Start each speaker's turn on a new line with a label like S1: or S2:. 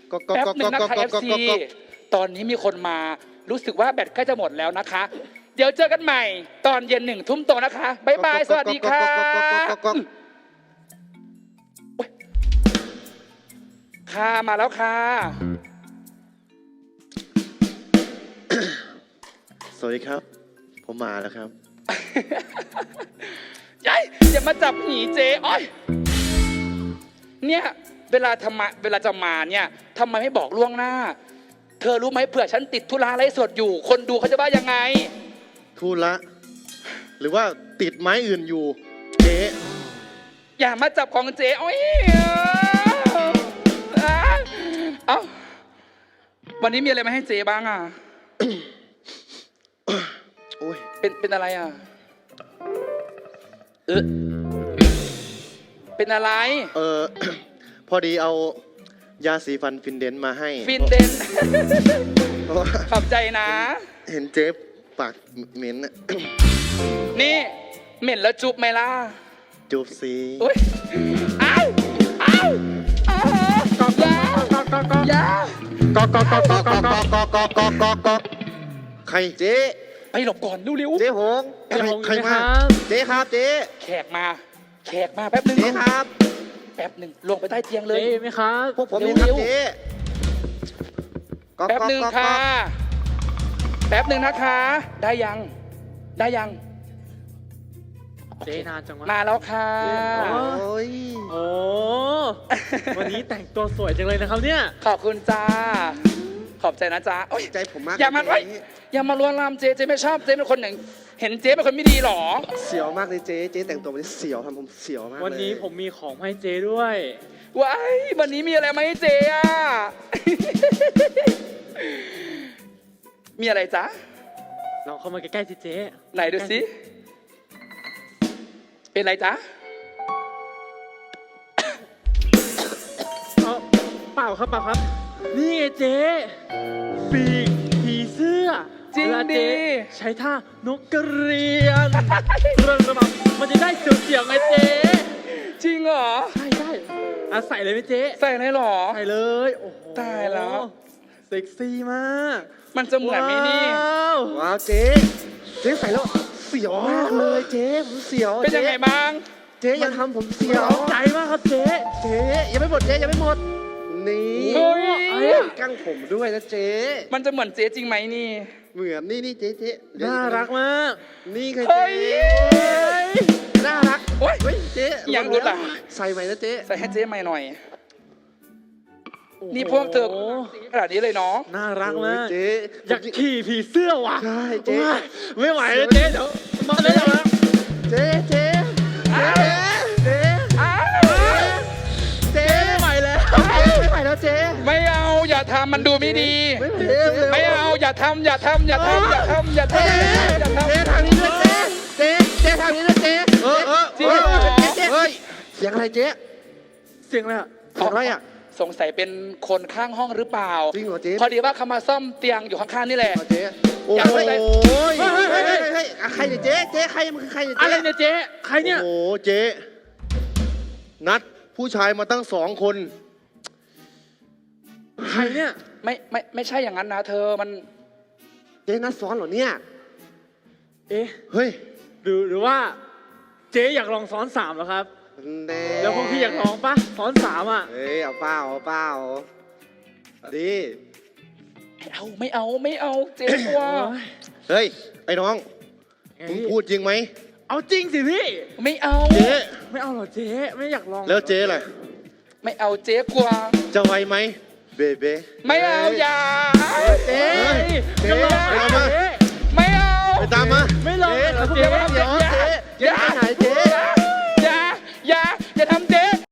S1: แป๊บหนึ่งนะคะ FC ตอนนี้มีคนมารู้สึกว่าแบตใกล้จะหมดแล้วนะคะ เดี๋ยวเจอกันใหม่ตอนเย็น1 ทุ่มตรงนะคะบ๊ายบายสวัสดีค่ะค่ะมาแล้วค่ะ
S2: สวัสดีครับผมมาแล้วครับ
S1: ยัยอย่ามาจับหนีเจ๊อ้อยเนี่ยเวลาจะมาเนี่ยทำไมไม่บอกล่วงหน้าเธอรู้ไหมเผื่อฉันติดธุระไลฟ์สดอยู่คนดูเขาจะว่ายังไง
S2: ทูละหรือว่าติดไม้อื่นอยู่เจ๊
S1: อย่ามาจับของเจ๊อ้อยเอ้าวันนี้มีอะไรมาให้เจ๊บ้างอ่ะ
S2: โอ้ย
S1: เป็นอะไรอ่ะเป็นอะไร
S2: พอดีเอายาสีฟันฟินเดนมาให้
S1: ฟินเดนขอบใจนะ
S2: เห็นเจ๊ปากเหม็นน่ะ
S1: นี่เหม็นแล้วจุบไหมล่ะ
S2: จูบสิ
S1: อุ้ยอ้า
S2: ใครเจ๊
S1: ไปหลบก่อนเร็วๆ
S2: เจ๊หงใครมาเจ๊ครับเจ๊
S1: แขกมาแป๊บนึง
S2: เจ๊ครับ
S1: แป๊บนึงลงไปใต้เตียงเลย
S3: เจ๊ไหมครับ
S2: พวกผมนี่ครับเจ๊
S1: แป๊บนึงค่ะแป๊บนึงนะคะได้ยัง
S3: เจ๊นานจังวะ
S1: มาแล้วค่ะ
S2: โอ้ย
S3: โอ้วันนี้แต่งตัวสวยจังเลยนะครับเนี่ย
S1: ขอบคุณจ้าขอบใจนะจ๊ะโอ้ย
S2: ใจผมมาก
S1: อย่ามาลวนลามเจ๊ไม่ชอบเจ๊เป็นคนหนึ่งเห็นเจ๊เป็นคนไม่ดีหรอ
S2: เสียวมากเลยเจ๊แต่งตัวมันเสียวทำผมเสียวมาก
S3: วันนี้ผมมีของให้เจ๊ด้วย
S1: ว้ายวันนี้มีอะไรมาให้เจ๊อะ มีอะไรจ๊ะ
S3: เราเข้ามาใกล้ๆสิเจ๊
S1: ไหนดูสิเป็นอะไรจ๊ะ
S3: เปล่าครับนี่ไงเจ๊ปีกผีเสื้อ
S1: จริงดิ
S3: ใช้ท่านกกระเรียนเรื่องระบำมันจะได้เสียวๆไงเจ๊
S1: จริงเหรอ
S3: ใช่ใส่เลยไหมเจ๊
S1: ใส่เลยหรอ
S3: ใส่เลยโอ้โห
S1: ตายแล้ว
S3: เซ็กซี่มาก
S1: มันจะเหมือนไหมนี่
S2: ว้าวเจ๊ใส่แล้วเสียวมากเลยเจ๊ผมเสียว
S1: เป็นยังไงบ้าง
S2: เจ๊อย่าทำผมเสียว
S3: ใจมากครับเจ๊
S2: ยังไม่หมดเจ๊ยังไม่หมดนี่กั้งผมด้วยนะเจ๊
S1: มันจะเหมือนเจ๊จริงไหมนี่
S2: เหมือนนี่เจ๊
S3: น่ารักมาก
S2: นี่ไงเจ๊น่ารัก
S1: โอ้ย
S2: เจ๊
S1: ยังรู้ล่ะ
S2: ใส่ใหม่นะเจ๊
S1: ใส่ให้เจ๊ใหม่หน่อยนี่พวกเธอขนาดนี้เลยเนาะ
S3: น่ารักมาก
S2: เจ๊
S3: อยากขี่ผีเสื้อว่ะ
S2: ใช่เจ๊
S3: ไม่ไหวแล้วเจ๊เดี๋ยวมาเลยนะ
S2: เจ๊
S3: ไม่ไหวแล้ว
S2: เจ๊
S1: ไม่เอาอย่าทำมันดูไม่ดีไม่เอาอย่าทำเจ๊ทางนี้
S2: ด้วยเจ๊ทางนี้ด้วยเจ๊
S1: จริงเหรอ
S2: เฮ้ยเสียงอะไรเจ๊
S3: เสียงอะไรอ่ะ
S1: สงสัยเป็นคนข้างห้องหรือเปล่า
S2: จริงเหรอเจ๊
S1: พอดีว่าเขามาซ่อมเตียงอยู่ข้างๆนี่แหละ
S2: เจ๊โอ้ยใครเนี่ยเจ๊ใครมันคือใครเนี่ย
S3: อะไรเนี่ยเจ๊ใครเนี่ย
S2: โอ้เจ๊นัดผู้ชายมาตั้ง2 คน
S3: ใครเนี่ย
S1: ไม่ใช่อย่างนั้นนะเธอมัน
S2: เจ๊นัดซ้อนเหรอเนี่ยเฮ้ย
S3: หรือว่าเจ๊อยากลองซ้อน3เหรอครับแล้วพวกพี่อยากลองปะซ้อน3อ่ะ
S2: เอาเปล่าดี
S1: ไม่เอาเจ๊กลัว
S2: เฮ้ยไอ้น้องมึงพูดจริงไหม
S3: เอาจริงสิพี่
S1: ไม่เอา
S2: เจ๊
S3: ไม่เอาหรอเจ๊ไม่อยากลอง
S2: แล้วเจ๊ล่ะ
S1: ไม่เอาเจ๊กลัว
S2: จะไวไหมเบเบ้
S1: ไม่เอาอย่า
S3: เจ๊
S2: เอา